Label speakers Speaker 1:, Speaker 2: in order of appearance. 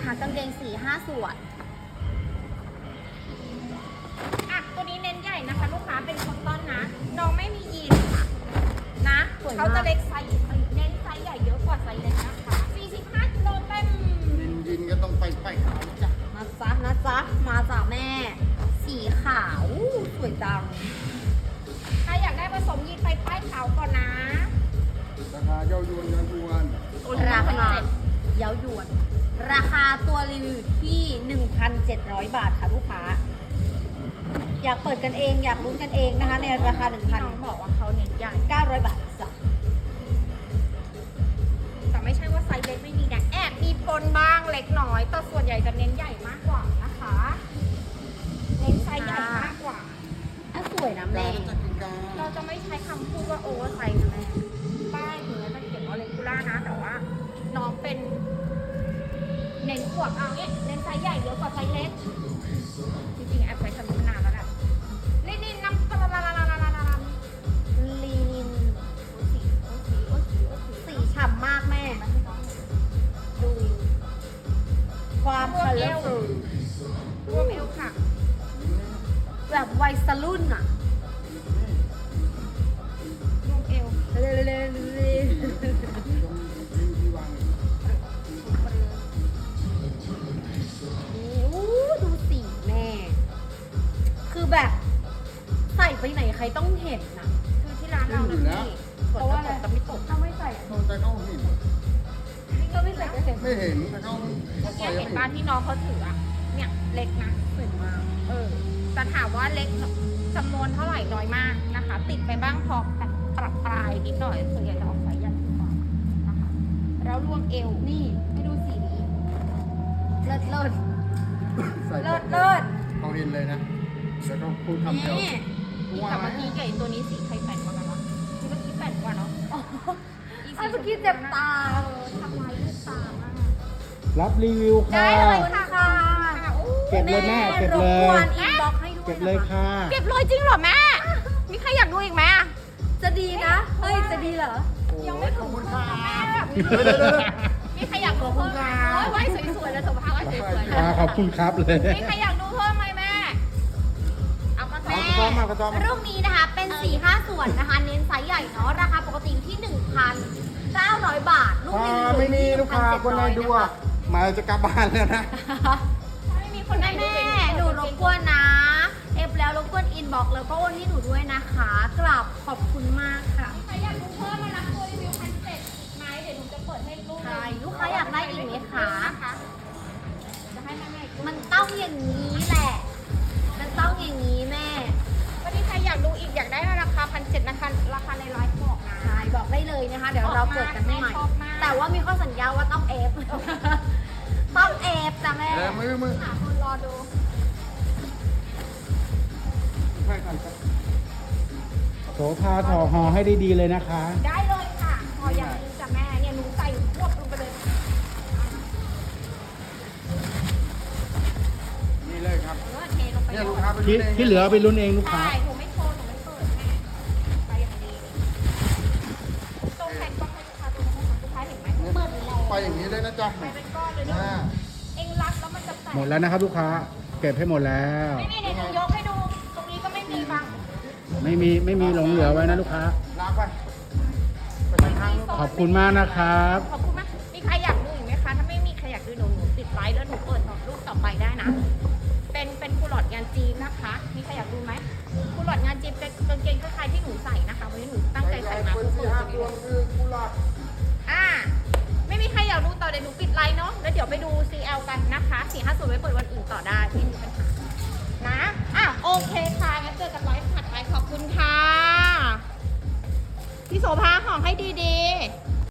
Speaker 1: นะคะกางเกง4-5 ส่วน
Speaker 2: ตัวนี้เน้นใหญ่นะคะลูกค้าเป็นคอตตอนนะน้องไม่มียีนค่ะนะเขาจะเล็กไซส์เน้นไซส์ใหญ่เยอะกว่าไซส์เล็กนะคะ45กิโลเต็ม
Speaker 3: ยินก็ต้องไปขาวจ้ะ
Speaker 1: นะจ๊ะมาจากแม่สีขาวสวยจัง
Speaker 2: ใครอยากได้ผสมยีนไปป้ายขาวก่อนนะ
Speaker 3: ราคาเย้ายวนยันทวน
Speaker 1: ราคาเย้ายวนราคาตัวรีวิวที่ 1,700 บาทค่ะลูกค้าอยากเปิดกันเองอยากลุ้นกันเองนะคะในราคา
Speaker 2: น้องบอกว่าเขาเน้นใหญ่
Speaker 1: 900 บาทจ้ะ
Speaker 2: แต่ไม่ใช่ว่าไซส์เล็กไม่มีนะแอบมีปนบ้างเล็กน้อยแต่ส่วนใหญ่จะเน้นใหญ่มากกว่านะคะเน้นไซส์ใหญ่มากกว่า
Speaker 1: สวยนะแม่
Speaker 2: เราจะไม่ใช้คำพูดว่าโอเวอร์ไซส์นะแม่ป้ายถึงจะเขียนว่าเลกูล่านะแต่ว่าน้องเป็นเน้นขวบเอาเนี้ยเน้นไซส์ใหญ่เยอะกว่าไซส์เล็กจริงๆแอบใช้คำนี้มานานแล้วแหละลินินน้ำ
Speaker 1: ลีนินสีฉ่ำมากแม่ดูความคัลเลอร์ฟูล
Speaker 2: รวมเอวค่ะ
Speaker 1: แบบวัยรุ่นอ่ะ
Speaker 2: รวมเอว
Speaker 1: ดูสีแม่คือแบบใส่ไปไหนใครต้องเห็นนะ
Speaker 2: คือที่ร้านเรานะพี่เพราะว่าจะไม่ตก
Speaker 1: ถ้าไม่ใส่
Speaker 3: แต่เขาเห็น
Speaker 1: นี่ก็ไม่ใส่ก็เห็น
Speaker 3: ไม่เห็นแต่เขา
Speaker 2: เห็นบ้านที่น้องเขาถืออ่ะเนี่ยเล็กนะ
Speaker 1: สวยมาก
Speaker 2: แต่ถามว่าเล็กจำนวนเท่าไหร่น้อยมากนะคะติดไปบ้างพอปรับปลายนิดหน่อยส่วนใหญ่จะออกไซส์ใหญ่กว่านะคะแล้วรวมเอวนี่ให้ดูสีนี้
Speaker 1: เลิศ
Speaker 3: เขาเห็นเลยนะแล้วก็พูดคำเดียว
Speaker 2: แต่เมื่อกี้ไก่ตัวนี้สีใครแปดกว่ากันวะที่เมื่อกี้แปดกว่าเนาะ
Speaker 1: เมื่อกี้เจ็บตา
Speaker 2: ทำลายลูกตามาก
Speaker 4: รับรีวิวค่ะ
Speaker 1: ได้เลยค่ะ
Speaker 4: เก็บเลยแม่เก็บเลยเก็บเลยค่ะ
Speaker 2: เก็บเลยจริงเหรอแม่มีใครอยากดูอีกไหม
Speaker 1: จะดีนะเฮ้ยจะดีเหรอ
Speaker 2: ยังไม่ถึงคุณค่ะแม่แบบมีใครอยากดูเพิ่มไหมไว้สวยๆแล้วสุขภาพไว้สวย
Speaker 4: ๆขอบคุณครับเลย
Speaker 2: มีใครอยากดูเพิ่มไหมแม่เอามาแม่
Speaker 1: รุ่นนี้นะคะเป็น4-5 ส่วนนะคะเน้นไซส์ใหญ่เนาะราคาปกติที่ 1,900 บาท
Speaker 3: ลูกไม่มีลูกค้าคนไหนดูอ่ะมาจะกลับบ้านแล้วนะ
Speaker 2: ไม่มีคนไหนดู
Speaker 1: แม่หนูรบกวนนะแล้วรบกวนอินบอกแล้วก็โอนให้หนูด้วยนะคะกราบขอบคุณมากค่ะ
Speaker 2: ใครอยากดูเพิ่มมารับตัวรีวิว1,700ไหมเดี๋ยวหนูจะเปิดให้ลูก
Speaker 1: ลูกค้าอยากได้อีกไหมคะ
Speaker 2: จะให้แม่
Speaker 1: มันต้องอย่างนี้แหละมันต้องอย่างนี้แม่
Speaker 2: วันนี้ใครอยากดูอีกอยากได้ราคา1,700นะคะราคาในไลฟ์บอกนะ
Speaker 1: ใช่บอกได้เลยนะคะเดี๋ยวเราเปิดกันให้ใหม่แต่ว่ามีข้อสัญญาว่าต้องต้องจ้ะแม่
Speaker 3: มือ
Speaker 2: หาคนรอดู
Speaker 4: โสภาถอห่อให้ดีๆเลยนะคะ
Speaker 2: ได้เลยค่ะพออย่างนี้จ้ะแม่เนี่ยหนูใส่ควบลงไปเลย
Speaker 3: นี่เลยครับ
Speaker 2: เทลงไป
Speaker 3: เนี่ยลูกค้าไป
Speaker 4: ที่เหลือไปลุ้นเองลูกค้า
Speaker 2: ใช่หนูไม่โชว์หนูไม่เปิดแม่ไปอย่างดีตรงแผ่นกล้องให้ลูกค้าดูนะคะลูกค้าเห็นไหมเปิดแล้ว
Speaker 3: ไปอย่างนี้เลยนะจ๊ะ
Speaker 2: ไปเป็นก้อนเลยนะเอ็งรักแล้วมันจะแตก
Speaker 4: หมดแล้วนะครับลูกค้าเก็บให้หมดแล้ว
Speaker 2: ไม่มีเดี๋ยวหนูยกให้ดูตรงนี้ก็ไม่มีบัง
Speaker 4: ไม่มีหลงเหลือไว้นะลูกค้า
Speaker 3: ลากไป
Speaker 4: ขอบคุณมากนะครับ
Speaker 2: ขอบคุณมากมีใครอยากดูอีกไหมคะถ้าไม่มีใครอยากดูหนูติดไลน์แล้วหนูเปิดรูปต่อไปได้นะเป็นคูลอดงานจีนนะคะมีใครอยากดูไหมคูลอดงานจีนเป็นกางเกงคล้ายๆที่หนูใส่นะคะวันนี้หนูตั้งใจใส่มาเพื่อเปิดรีวิวไม่มีใครอยากดูต่อเดี๋ยวหนูปิดไลน์เนาะแล้วเดี๋ยวไปดู CL กันนะคะ450ไว้เปิดวันอื่นต่อได้ไม่มีปัญหานะโอเคค่ะงั้นเจอกันไลฟ์ถัดไปขอบคุณค่ะพี่โสภาของให้ดีๆ